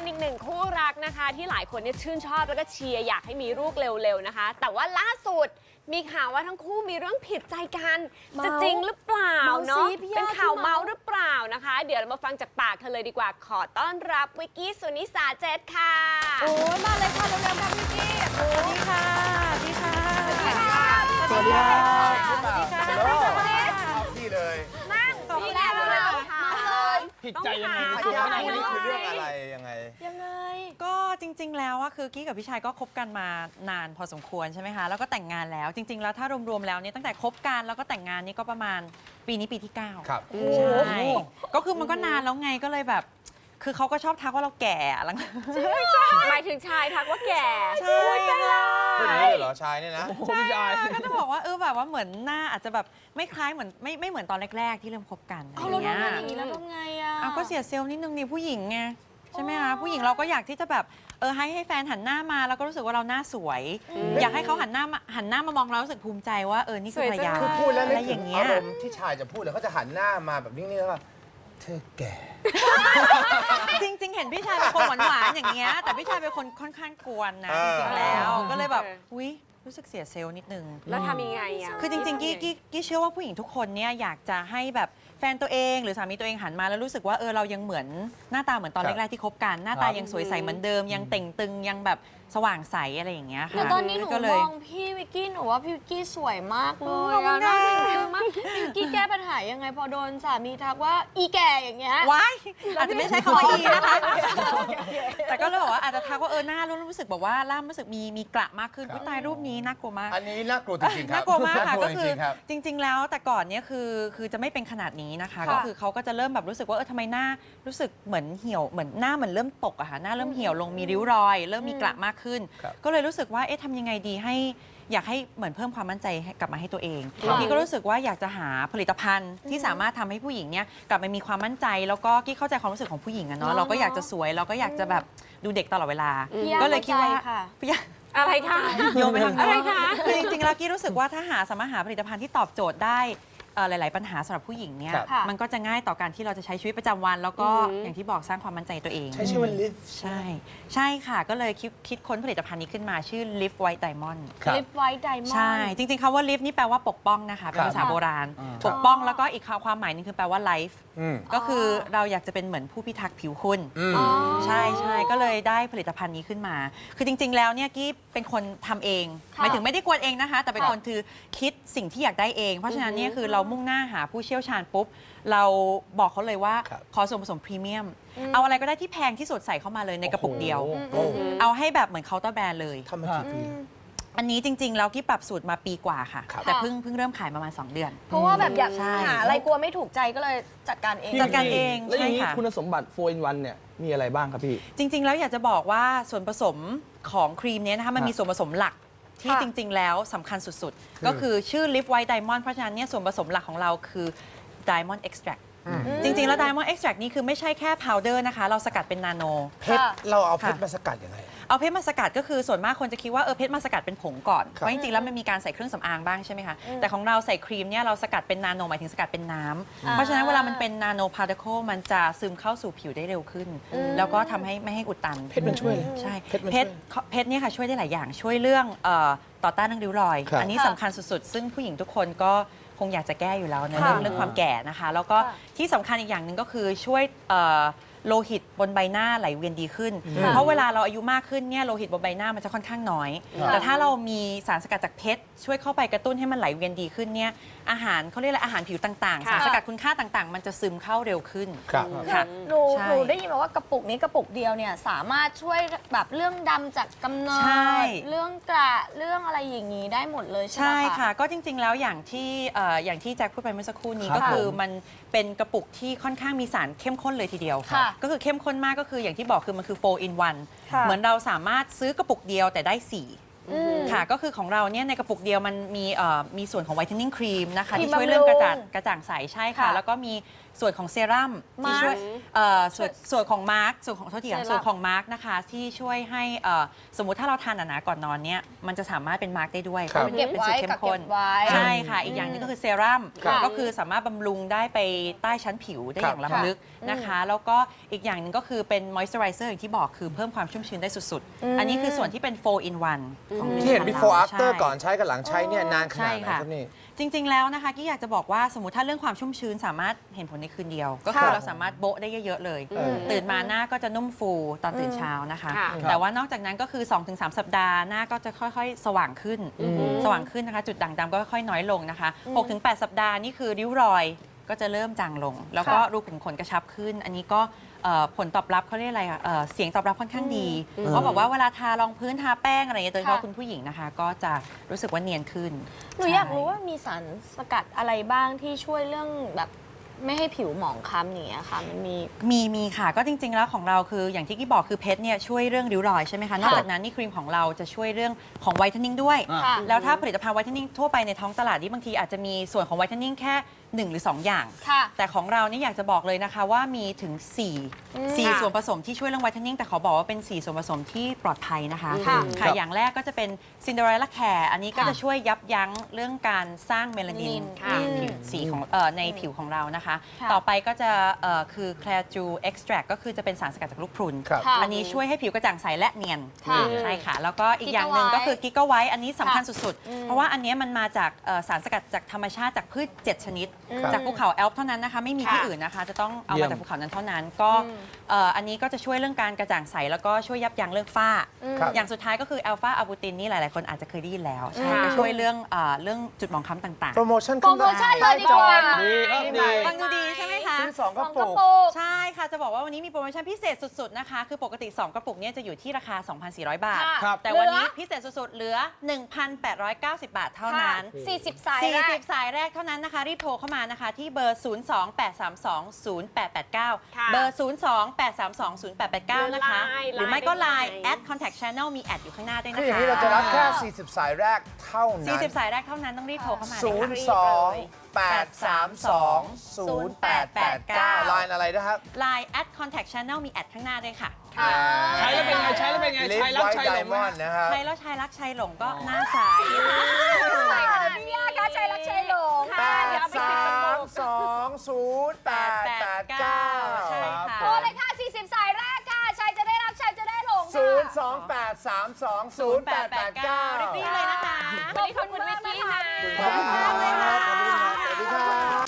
เป็นอีกหนึ่งคู่รักนะคะที่หลายคนเนี่ยชื่นชอบแล้วก็เชียร์อยากให้มีลูกเร็วๆนะคะแต่ว่าล่าสุดมีข่าวว่าทั้งคู่มีเรื่องผิดใจกันจะจริงหรือเปล่าเนาะเป็นข่าวเมาหรือเปล่านะคะเดี๋ยวเรามาฟังจากปากเธอเลยดีกว่าขอต้อนรับวิกกี้สุนิสาเจตค่ะโอ้มาเลยค่ะเร็วๆค่ะวิกกี้สวัสดีค่ะสวัสดีค่ะสวัสดีค่ะสวัสดีค่ะนี่เลยนั่งนี่แหละเราค่ะเลยผิดใจยังไงต้คุองณถามวันนี้คือเรื่องอะไรยังไงก็จริงๆแล้วอะคือกี้กับพี่ชายก็คบกันมานานพอสมควรใช่ไหมคะแล้วก็แต่งงานแล้วจริงๆแล้วถ้ารวมๆแล้วเนี่ยตั้งแต่คบกันแล้วก็แต่งงานนี่ก็ประมาณปีนี้ปีที่ 9 ครับใช่ก็คือมันก็นานแล้วไงก็เลยแบบคือเขาก็ชอบทักว่าเราแก่หลังหมายถึงชายทักว่าแก่ใช่ค่ะพูดอย่างนี้เลยเหรอชายเนี่ยนะใช่ก็จะบอกว่าแบบว่าเหมือนหน้าอาจจะแบบไม่คล้ายเหมือนไม่เหมือนตอนแรกๆที่เริ่มคบกันอะไรอย่างเงี้ยแล้วทำไงอ่ะเอาก็เสียเซลล์นิดนึงนี่ผู้หญิงไงใช่ไหมคะผู้หญิงเราก็อยากที่จะแบบให้แฟนหันหน้ามาแล้วก็รู้สึกว่าเราหน้าสวย อยากให้เขาหันหน้ามามองเรารู้สึกภูมิใจว่านี่คือภรรยาคือพูดแล้วอะนึไรกอถึย่าง งเงี้อาย รมณ์ที่ชายจะพูดเลยเขาจะหันหน้ามาแบบนิ่งๆแล้วก็เธอแก่จริง ๆ เห็นพี่ชายเป็นคนหวานๆอย่างเงี้ยแต่พี่ชายเป็นคนค่อนข้างกวนนะจริงๆแล้วก็เลยแบบอุ๊ยรู้สึกเสียเซลล์นิดนึงแล้วทำยังไงอ่ะคือจริงๆกี้เชื่อว่าผู้หญิงทุกคนเนี่ยอยากจะให้แบบแฟนตัวเองหรือสามีตัวเองหันมาแล้วรู้สึกว่าเรายังเหมือนหน้าตาเหมือนตอนแรกๆที่คบกันหน้าตายังสวยใสเหมือนเดิมยังเต่งตึงยังแบบสว่างใสอะไรอย่างเงี้ยค่ะแล้วตอนนี้หนูก็เลมยองพี่วิกกี้หนูว่าพี่วิกกี้สวยมากเลยขอบคุณน่าค่ะเห็นมากพี่วิกกี้แก้ปัญหายังไงพอโดนสามีทักว่าอีแก่อย่างเงี้ยว้ายอาจจะไม่ใช้คำว่าอีนะคะแต่ก็เลยบอกว่าอาจจะทักว่าหน้ารู้สึกแบบว่าล่ามรู้สึกมีกระมากขึ้นอุ๊ยตายรูปนี้น่ากลัวมากอันนี้น่ากลัวจริงๆครับน่ากลัวมากค่ะน่ก็จคือริงๆครับจริง ๆ แล้วแต่ก่อนเนี่ยคือจะไม่เป็นขนาดนี้นะคะค่ะก็คือเขาก็จะเริ่มแบบรู้สึกว่าทำไมหน้ารู้สึกเหมือนเหี่ยวเหมือนหน้าเหมือนเริ่มตกอะค่ะหน้าเริ่มเหี่ยวลงมีริ้วรอย เริ่มมีกระมากขึ้นครับก็เลยรู้สึกว่าทำยังไงดีให้อยากให้เหมือนเพิ่มความมั่นใจให้กลับมาให้ตัวเองครับพี่ก็รู้สึกว่าอยากจะหาผลิตภัณฑ์ที่สามารถทำให้ผู้หญิงเนี่ยกลับมามีความมั่นใจ แล้วก็กี้เข้าใจความรู้สึกของผู้หญิงอะเนาะเราก็อยากจะสวยเราก็อยากจะแบบดูเด็กตลอดเวลาพี่ย่าก็เลยคิดว่าเข้าใจค่ะพี่ย่าอะไรคะโยนไปทางอะไรโน้นคะคือจริงๆแล้วกี้รู้สึกว่าถ้าสามารถหาผลิตภัณฑ์ที่ตอบโจทย์ได้หลาย ๆ ปัญหาสำหรับผู้หญิงเนี่ยครับค่ะมันก็จะง่ายต่อการที่เราจะใช้ชีวิตประจำวัน แล้วก็อือหืออย่างที่บอกสร้างความมั่นใจตัวเองใช้ชื่อว่าลิฟใช่ใช่ค่ะ ก็เลยคิดค้นผลิตภัณฑ์นี้ขึ้นมาชื่อ Lift White Diamond ครับลิฟไวท์ไดมอนด์ใช่ จริง ๆคำว่า lift นี่แปลว่าปกป้องนะคะ เป็นภาษาครับโบราณอ่าปกป้องแล้วก็อีกความหมายหนึงคือแปลว่า life อืมก็คือเราอยากจะเป็นเหมือนผู้พิทักษ์ผิวคุณอืมอ๋อใช่ก็เลยได้ผลิตภัณฑ์นี้ขึ้นมา คือจริง ๆ แล้วเนี่ยกี้เป็นคนทำเองค่ะหมายถึงไม่ได้กวนเองนะคะ แต่เป็นคนคือคิดสิ่งที่อยากได้เอง เพราะฉะนั้นเนี่ยคือเรามุ่งหน้าหาผู้เชี่ยวชาญปุ๊บ เราบอกเขาเลยว่าครับขอส่วนผสมพรีเมียม เอาอะไรก็ได้ที่แพงที่สุดใส่เข้ามาเลยในกระปุกเดียวโอ้โหเอาให้แบบเหมือนเคาน์เตอร์แบรนด์เลยทำมากี่ปีอันนี้จริง ๆ แล้วกี้ปรับสูตรมาปีกว่าค่ะครับแต่เพิ่งเริ่มขายประมาณ 2 เดือนเพราะว่าแบบอยากใช่หาอะไรกลัวไม่ถูกใจก็เลยจัดการเองจัดการเองแล้วอย่างนี้ใช่ค่ะคุณสมบัติ4 in 1เนี่ยมีอะไรบ้างครับพี่จริง ๆ แล้วอยากจะบอกว่าส่วนผสมของครีมเนี้ยนะคะมันมีส่วนผสมหลักที่ค่ะจริง ๆ แล้วสำคัญสุด ๆ ก็คือชื่อ Lift White Diamond เพราะฉะนั้นเนี่ยส่วนผสมหลักของเราคือ Diamond Extract จริง ๆ แล้ว Diamond Extract นี่คือไม่ใช่แค่พาวเดอร์นะคะ เราสกัดเป็นนาโนเพชรค่ะเราเอาเพชรค่ะมาสกัดยังไงเอาเพชรมาสกัดก็คือส่วนมากคนจะคิดว่าเพชรมาสกัดเป็นผงก่อนครับเพราะจริง ๆ แล้วมันมีการใส่เครื่องสำอางบ้างใช่ไหมคะ แต่ของเราใส่ครีมเนี่ยเราสกัดเป็นนาโนหมายถึงสกัดเป็นน้ำเพราะฉะนั้นเวลามันเป็นนาโนพาร์ติเคิลมันจะซึมเข้าสู่ผิวได้เร็วขึ้น แล้วก็ทำให้ไม่ให้อุดตันเพชรมันช่วยเลยใช่เพชรมันช่วยเพชรเนี่ยค่ะช่วยได้หลายอย่างช่วยเรื่องต่อต้านเรื่องริ้วรอยครับอันนี้สำคัญสุดๆ ซึ่งผู้หญิงทุกคนก็คงอยากจะแก้อยู่แล้วในค่ะเรื่องความแก่นะคะ แล้วก็ที่สำคัญอีกอย่างหนึ่งก็คือช่วยโลหิตบนใบหน้าไหลเวียนดีขึ้น เพราะเวลาเราอายุมากขึ้นเนี่ยโลหิตบนใบหน้ามันจะค่อนข้างน้อย แต่ถ้าเรามีสารสกัดจากเพชรช่วยเข้าไปกระตุ้นให้มันไหลเวียนดีขึ้นเนี่ยอาหารเขาเรียกอะไรอาหารผิวต่างๆค่ะสารสกัดคุณค่าต่างๆ มันจะซึมเข้าเร็วขึ้นครับค่ะหนูใช่หนูได้ยินมาว่ากระปุกนี้กระปุกเดียวเนี่ยสามารถช่วยแบบเรื่องดำจากกำเนิใช่ดเรื่องกระเรื่องอะไรอย่างนี้ได้หมดเลยใช่ไหมใช่คะค่ะ ก็จริง ๆ แล้วอย่างที่แจ็คพูดไปเมื่อสักครู่นี้ครับก็คือมันเป็นกระปุกที่ค่อนข้างมีสารเข้มข้นเลยทีเดียวค่ะก็คือเข้มข้นมากก็คืออย่างที่บอกคือมันคือ4 in 1 ค่ะเหมือนเราสามารถซื้อกระปุกเดียวแต่ได้ค่ะก็คือของเราเนี่ยในกระปุกเดียวมันมีส่วนของไวท์เทนนิ่งครีมนะคะครีมที่ช่วยเรื่องบำรุงกระจ่างใสใช่ค่ะค่ะแล้วก็มีส่วนของเซรั่มที่ช่วย ส่วนของมาร์กส่วนของโทษทีค่ะเซรั่มส่วนของมาร์กนะคะที่ช่วยให้สมมุติถ้าเราทานหนาๆก่อนนอนเนี่ยมันจะสามารถเป็นมาร์กได้ด้วยครับเพราะเป็นสูตรเข้มข้นเก็บไว้ใช่ค่ะ อีกอย่างหนึงก็คือเซรั่มครับก็คือสามารถบำรุงได้ไปใต้ชั้นผิวได้อย่างครับล้ำลึกนะคะ แล้วก็อีกอย่างหนึ่งก็คือเป็นมอยส์เจอไรเซอร์อย่างที่บอกคือเพิ่มความชุ่มชื้นได้สุดๆ อันนี้คือส่วนที่เป็น 4 in 1 ของที่เห็น before ใช่ after ก่อนใช้กับหลังใช้เนี่ยนานขนาดไหนใช่ค่ะครับนี่จริง ๆ แล้วนะคะกี้อยากจะบอกว่าสมมติถ้าเรื่องความชุ่มชื้นสามารถเห็นผลในคืนเดียว ก็คือค่ะเราสามารถโบ๊ะได้เยอะ ๆ เลยมตื่นมาหน้าก็จะนุ่มฟูตอนตื่นเช้านะคะค่ะแต่ว่านอกจากนั้นก็คือ 2-3 สัปดาห์หน้าก็จะค่อยๆ สว่างขึ้นนะคะ จุดด่างดำก็ค่อยๆน้อยลงนะคะ 6-8 สัปดาห์นี่คือริ้วรอยก็จะเริ่มจางลง แล้วก็รูขุมขนกระชับขึ้น อันนี้ก็ผลตอบรับเขาเรียกอะไรเสียงตอบรับค่อนข้างดีเพราะบอกว่าเวลาทารองพื้นทาแป้งอะไรอย่างเงี้ยโดยเฉพาะค่ะคุณผู้หญิงนะคะ ก็จะรู้สึกว่าเนียนขึ้นหนูอยากรู้ว่ามีสารสกัดอะไรบ้างที่ช่วยเรื่องแบบไม่ให้ผิวหมองคล้ำอย่างเงี้ยค่ะ มันมีค่ะก็จริง ๆ แล้วของเราคืออย่างที่กี้บอกคือเพชรเนี่ยช่วยเรื่องริ้วรอยใช่ไหมคะนอกจากนั้นนี่ครีมของเราจะช่วยเรื่องของไวท์เทนนิ่งด้วยค่ะแล้วถ้าผลิตภัณฑ์ไวท์เทนนิ่งทั่วไปในท้องตลาดนี่บางทีอาจจะมีส่วนของไวท์เทนนิ่งแค่ 1 หรือ 2 อย่างค่ะแต่ของเรานี่อยากจะบอกเลยนะคะว่ามีถึง 4 ส่วนผสมที่ช่วยเรื่องไวท์เทนนิ่งแต่ขอบอกว่าเป็น 4 ส่วนผสมที่ปลอดภัยนะคะค่ะค่ะอย่างแรกก็จะเป็นซินเดอเรลล่าแคร์อันนี้ก็จะช่วยยับยั้งเรื่องการสร้างเมลานินค่ะในผิวสีของในผิวของเรานะคะค่ะต่อไปก็จะคือแคลจูเอ็กซ์แทรก็คือจะเป็นสารสกัดจากลูกพรุนครับค่ะอันนี้ช่วยให้ผิวกระจ่างใสและเนียนค่ะใช่ค่ะ แล้วก็อีกอย่างหนึ่งก็คือกิก a ไวท์อันนี้สำคัญสุดๆ เพราะว่าอันเนี้ยมันมาจากสารสกัดจากธรรมชาติจากพืช 7 ชนิดครับจากภูเขาแอลป์เท่านั้นนะคะ ไม่มีที่ค่ะอื่นนะคะ จะต้องเอาเยี่มายมจากภูเขานั้นเท่านั้น ก็อันนี้ก็จะช่วยเรื่องการกระจ่างใส แล้วก็ช่วยยับยั้งเรื่องฝ้าครับอย่างสุดท้ายก็คือแอลฟาอะบูตินนี่หลายๆคนอาจจะเคยได้ยินแล้วใช่ค่ะก็ช่วยเรื่องจุดหมองคล้ำต่างโปรโมชั่นโปรโมชั่นเลยดีกว่าดีครับดีๆฟังดูดีใช่ไหมคะซื้อ2กระกปุระกปุกใช่ค่ะ จะบอกว่าวันนี้มีโปรโมชั่นพิเศษสุดๆนะคะ คือปกติ 2 กระปุกเนี่ยจะอยู่ที่ราคา 2,400 บาทค่ะครับแต่วันนี้พิเศษสุดๆ เหลือ 1,890 บาทเท่านั้น 40 สายแรก 40 สายแรกเท่านั้นนะคะ รีบโทรเข้ามานะคะ ที่เบอร์ 028320889 ค่ะเบอร์ 028320889 นะคะ หรือไม่ก็ Line ได้ @contact channel มีแอดอยู่ข้างหน้าด้วยคือนะอย่างคะนี้เราจะรับแค่ 40 สายแรกเท่านั้น 40 สายแรกเท่านั้นต้องรีบโทรเข้ามาเลย 0 ค่ะ 2 8 3 2 0 8 8 9 ไลน์อะไรนะครับ Line @contact channel มีแอดข้างหน้าด้วยค่ะใช้แล้วเป็นไง ใช้แล้วเป็นไงลิฟใช้ต์รักไวท์ใช้ไดหลงมอนด์นะครับใช้แล้วชายรักชายหลงก็หน้าใสพี่ยาคะใจรักใจหลงค่ะ เดี๋ยวเอาไป10กระปุก 8 3 2 0 8 8 9 ใช่ค่ะโทรเลยค่ะ 40 สายแรกค่ะชายจะได้รับชายจะได้หลง 0 ค่ะ 2 8 3 2 0 8 8 9 รีบๆเลยนะคะวันนี้ขอบคุณวิกกี้นะขอบคุณครับ สวัสดีครับ